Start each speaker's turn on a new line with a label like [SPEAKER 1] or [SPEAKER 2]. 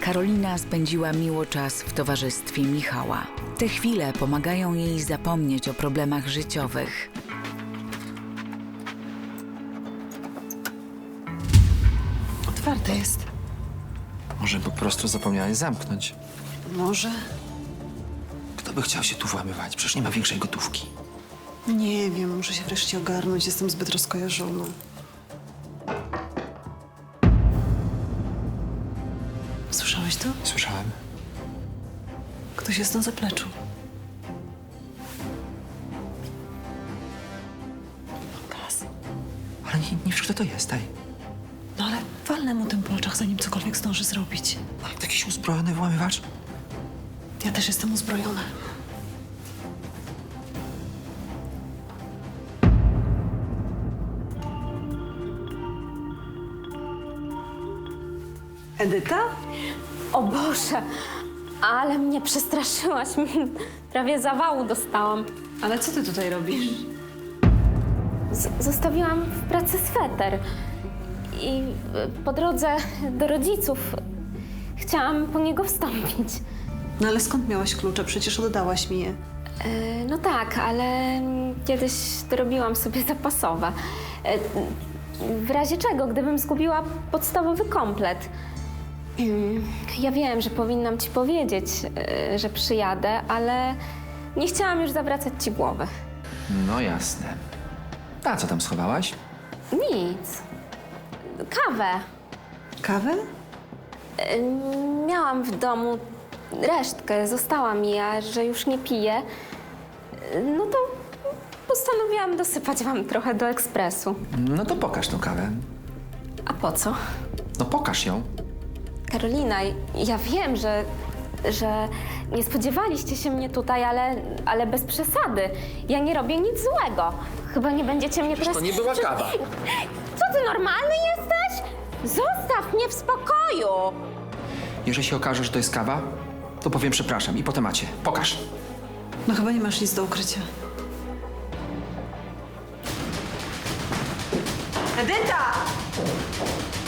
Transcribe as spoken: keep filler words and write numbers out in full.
[SPEAKER 1] Karolina spędziła miło czas w towarzystwie Michała. Te chwile pomagają jej zapomnieć o problemach życiowych.
[SPEAKER 2] Otwarte jest.
[SPEAKER 3] Może po prostu zapomniałeś zamknąć.
[SPEAKER 2] Może?
[SPEAKER 3] Kto by chciał się tu włamywać? Przecież nie ma większej gotówki.
[SPEAKER 2] Nie wiem, muszę się wreszcie ogarnąć. Jestem zbyt rozkojarzona. Słyszałeś to?
[SPEAKER 3] Słyszałem.
[SPEAKER 2] Ktoś jest na zapleczu. Gaz.
[SPEAKER 3] Ale nie, nie wiesz, kto to jest, ej.
[SPEAKER 2] No ale walnę mu tym po oczach, zanim cokolwiek zdąży zrobić.
[SPEAKER 3] Jakiś uzbrojony włamywacz?
[SPEAKER 2] Ja też jestem uzbrojona. Edyta?
[SPEAKER 4] O Boże, ale mnie przestraszyłaś. Prawie zawału dostałam.
[SPEAKER 2] Ale co ty tutaj robisz?
[SPEAKER 4] Z zostawiłam w pracy sweter. I y, po drodze do rodziców chciałam po niego wstąpić.
[SPEAKER 2] No ale skąd miałaś klucze? Przecież oddałaś mi je.
[SPEAKER 4] Y, no tak, ale kiedyś dorobiłam sobie zapasowe. Y, w razie czego, gdybym zgubiła podstawowy komplet. Y, ja wiem, że powinnam ci powiedzieć, y, że przyjadę, ale nie chciałam już zawracać ci głowy.
[SPEAKER 3] No jasne. A co tam schowałaś?
[SPEAKER 4] Nic. Kawę.
[SPEAKER 2] Kawę?
[SPEAKER 4] Y, Miałam w domu resztkę, została mi, a że już nie piję, y, no to postanowiłam dosypać wam trochę do ekspresu.
[SPEAKER 3] No to pokaż tą kawę.
[SPEAKER 4] A po co?
[SPEAKER 3] No pokaż ją.
[SPEAKER 4] Karolina, ja wiem, że, że nie spodziewaliście się mnie tutaj, ale, ale bez przesady. Ja nie robię nic złego. Chyba nie będziecie mnie teraz...
[SPEAKER 3] to nie była kawa.
[SPEAKER 4] Co ty, normalny jesteś? Zostaw mnie w spokoju!
[SPEAKER 3] Jeżeli się okaże, że to jest kawa, to powiem przepraszam i po temacie. Pokaż.
[SPEAKER 2] No chyba nie masz nic do ukrycia. Edyta!